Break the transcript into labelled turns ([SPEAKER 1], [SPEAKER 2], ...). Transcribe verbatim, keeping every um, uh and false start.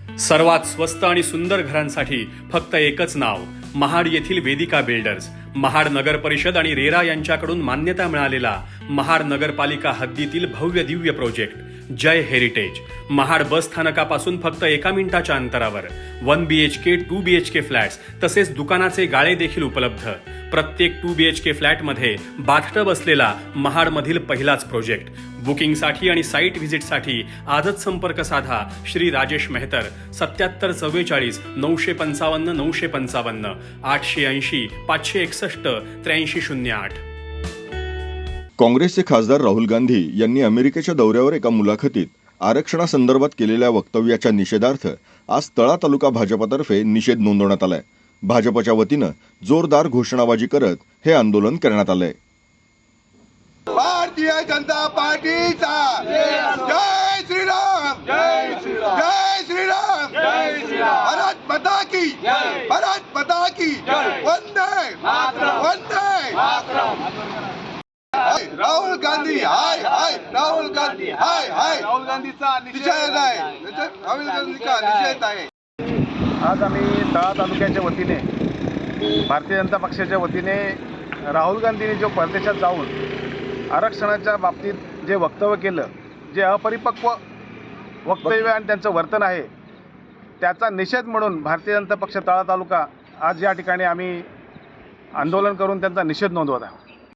[SPEAKER 1] सर्वात स्वस्त आणि सुंदर घरांसाठी फक्त एकच नाव, महाड येथील वेदिका बिल्डर्स. महाड नगर परिषद आणि रेरा यांच्याकडून मान्यता मिळालेला महाड नगरपालिका हद्दीतील भव्य दिव्य project Jai heritage. Mahad bus स्थानकापासून फक्त एका मिनिटाच्या अंतरावर one B H K two B H K flats तसेच दुकानाचे गाळे देखील उपलब्ध. प्रत्येक टू बी एच के फ्लॅटमध्ये बाथटब असलेला महाडमधील पहिलाच प्रोजेक्ट. बुकिंगसाठी आणि साईट व्हिजिटसाठी आजच संपर्क साधा श्री राजेश मेहतर. सत्याहत्तर चव्वेचाळीस नऊशे पंचावन्न नऊशे पंचावन्न आठशे ऐंशी पाचशे एकसष्ट त्र्याऐंशी शून्य आठ.
[SPEAKER 2] काँग्रेसचे खासदार राहुल गांधी यांनी अमेरिकेच्या दौऱ्यावर एका मुलाखतीत आरक्षणासंदर्भात केलेल्या वक्तव्याच्या निषेधार्थ आज तळा तालुका भाजपतर्फे निषेध नोंदवण्यात आलाय. भाजपच्या वतीनं जोरदार घोषणाबाजी करत हे आंदोलन करण्यात आलंय.
[SPEAKER 3] भारतीय जनता पार्टीचा जय श्रीराम, जय श्रीराम, जय श्रीराम, जय श्रीराम. भारत माता की जय, भारत माता की जय. वंदे मातरम, वंदे मातरम. राहुल गांधी हाय हाय, राहुल गांधी हाय हाय. राहुल गांधीचा निषेध आहे, राहुल गांधीचा निषेध आहे.
[SPEAKER 4] आज आम्ही तळा तालुक्याच्या वतीने भारतीय जनता पक्षाच्या वतीने राहुल गांधींनी जो परदेशात जाऊन आरक्षणाच्या बाबतीत जे वक्तव्य केलं, जे अपरिपक्व वक्तव्य आणि त्यांचं वर्तन आहे, त्याचा निषेध म्हणून भारतीय जनता पक्ष तळा तालुका आज या ठिकाणी आम्ही आंदोलन करून त्यांचा निषेध नोंदवत आहोत.